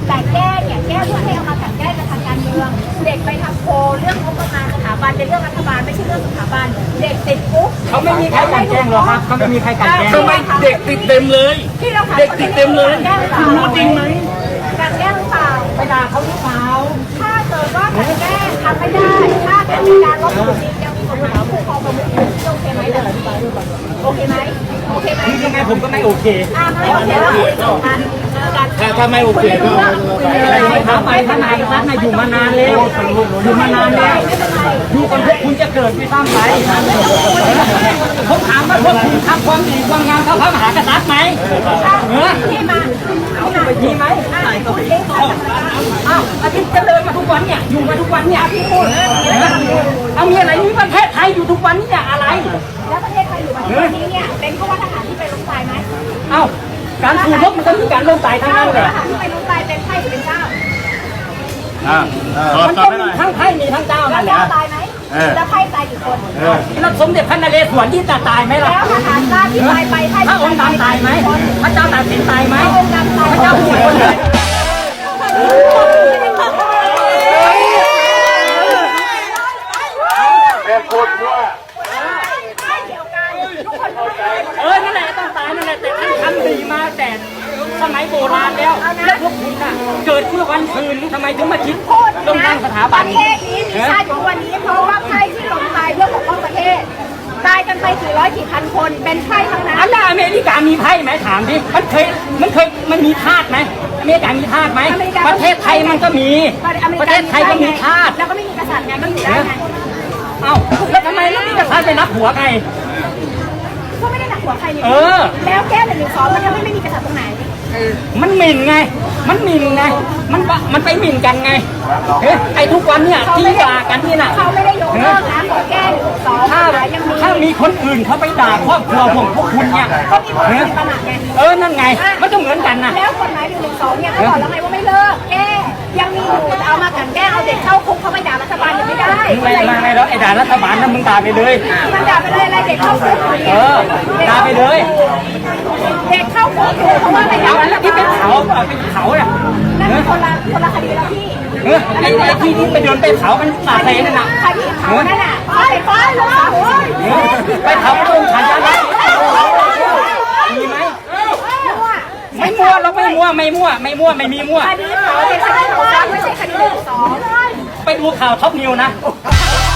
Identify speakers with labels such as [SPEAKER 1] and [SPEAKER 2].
[SPEAKER 1] แต่แก้เนี่ยแก้เพื่อให้เอามากันแก้กับทางการเมืองเด็กไปทำโพลเรื่องงบประมาณสถาบันเป็นเรื่องรัฐบาลไม่ใช่เรื่องสถาบันเด็กติดคุก
[SPEAKER 2] เขาไม่มีใครกันแกล้งหรอกครับเขาไม่มีใครกันแกล้ง
[SPEAKER 3] ทำไมเด็กติดเต็มเลยเด็กติดเต็มเลยคุณรู้จริงไหม
[SPEAKER 1] การแก้หรือเปล่า
[SPEAKER 2] ไปด่าเขาหรือเปล่า
[SPEAKER 1] ถ้าเกิดว่าการแก้ทำไม่ได้ถ้าเกิดมีการลบหลู่จริงยังมีกฎหมายคุ้มครองประมุขโอเคไหมโอเคไหมโอเคไหม
[SPEAKER 2] ยังไงผมก็ไม่โอเค
[SPEAKER 1] ไม่โอเคแล้วคุยจบกัน
[SPEAKER 3] ถ้าไม่โอเคก็
[SPEAKER 2] ทำไปทนายรัฐน่ะอยู่มานานแล้วอยู่มานานแล้วอยู่กันพวกคุณจะเกิดไม่ซ้ำไปผมถามว่าพวกคุณทำความดีความงามเขาพระมหากษัตริย์ไหม
[SPEAKER 1] ที่มา
[SPEAKER 2] เอาไปดีไหมอ้าวอาทิตย์จะเดินมาทุกวันเนี่ยอยู่มาทุกวันเนี่ยพี่พูดเอามีอะไรนี่ประเทศไทยอยู่ทุกวันนี่อะไร
[SPEAKER 1] แล้วประเทศไทยอยู่มาทุกวันนี้เนี่ยเป็นเพราะว่าทหารที่ไปลงตายไหม
[SPEAKER 2] เอ้าการสู้รบมันก็มีการลงตายทั้งนั้นเลย
[SPEAKER 1] ทหารที่ไปลงตายเป็นไพ่หรือเป็นเจ้า
[SPEAKER 2] มันก็มีทั้งไพ่มีทั้งเจ้านั่นแหละ
[SPEAKER 1] ตายไหมแล้วไพ่ตายกี่คน
[SPEAKER 2] แล้วสมเด็จพระนเรศวรที่ตายไหมล่ะ
[SPEAKER 1] แล้วทหารราชที่ตายไปไพ่
[SPEAKER 2] พระองค์ดำตายไหมพระเจ้าตากสินตายไหม
[SPEAKER 1] พระองค์ดำตาย
[SPEAKER 2] พระเจ้าผู้คนเลย
[SPEAKER 3] เป็นคนว่า
[SPEAKER 2] นั่นแหละต้องตายนั่นแหละแต่ท่านทำดีมาแต่สมัยโบราณแล้วแล้วพวกคุณน่ะเกิดเมื่อวันคืนทำไมถึงมาคิดลงทางสถาบัน
[SPEAKER 1] ประเทศนี้มีชาติอยู่วันนี้เพราะว่าไพ่ที่ลงตายเพื่อปกป้องประเทศตายกันไปกี่ร้อยกี่พันคนเป็นไพ่ทั้งนั้น
[SPEAKER 2] อันนั้นอเมริกามีไพ่ไหมถามดิมันมีทาสไหมอเมริกามีทาสไหมประเทศไทยมันก็มีประเทศไทยก็มีทาส
[SPEAKER 1] แล้วก็ไม่มีกษัตริย์ไงมันอยู่ได้ไง
[SPEAKER 2] เอ้าแล้วทำไมไม่มีกษัตริย์ไปรับหัวไง
[SPEAKER 1] ก็ไม่ได้หนักหัวใครนี่แล้วแก้112มันทำให้ไม่มีกษัตริย์ตรงไหน
[SPEAKER 2] มันหมิ่นไงมันหมิ่นไงมันไปหมิ่นกันไงไอ้ทุกวันเนี่ยที่ด่ากันนี่น่ะ
[SPEAKER 1] เขาไม่ได้ยกเลิกนะขอแก้
[SPEAKER 2] ถ้ามีคนอื่นเขาไปด่าครอบครัวผมพวกคุณเนี่ยนั่นไงมันก็เหมือนกันนะ
[SPEAKER 1] แล้วกฎหมาย112เนี่ยเขาบอกแล้วไงว่าไม่เลิกแก้ยังมีอยู่เอามากันแก้เอาเด็กเข้าคุกเขาไปด่ารัฐบาลยังไม่ได้
[SPEAKER 2] ไม่แล้วไอ้ด่ารัฐบาลนั่นมึงด่าไปเลย
[SPEAKER 1] มันด่าไปเลยอะไรเด็กเข้าคุก
[SPEAKER 2] ด่าไปเลย
[SPEAKER 1] เด็กเข้าคุกเพราะว่าอะไร
[SPEAKER 2] แล้วที่เป็นเขาเนี่ย
[SPEAKER 1] นั่นเป็นคนละคดีแล้วพี่
[SPEAKER 2] ไอ้ที่ไปเดินไปเขามันสาเซนั่นน่ะ
[SPEAKER 1] คดีเขานั่นน่ะไปเลย
[SPEAKER 2] ไปเขาตรงขันยันมีไหมไม่มั่วเราไม่มั่วไม่มีมั่ว
[SPEAKER 1] คดีเขาเป็นคดีของไม่ใช่คดี112
[SPEAKER 2] ไปดูข่าวท็อปนิวนะ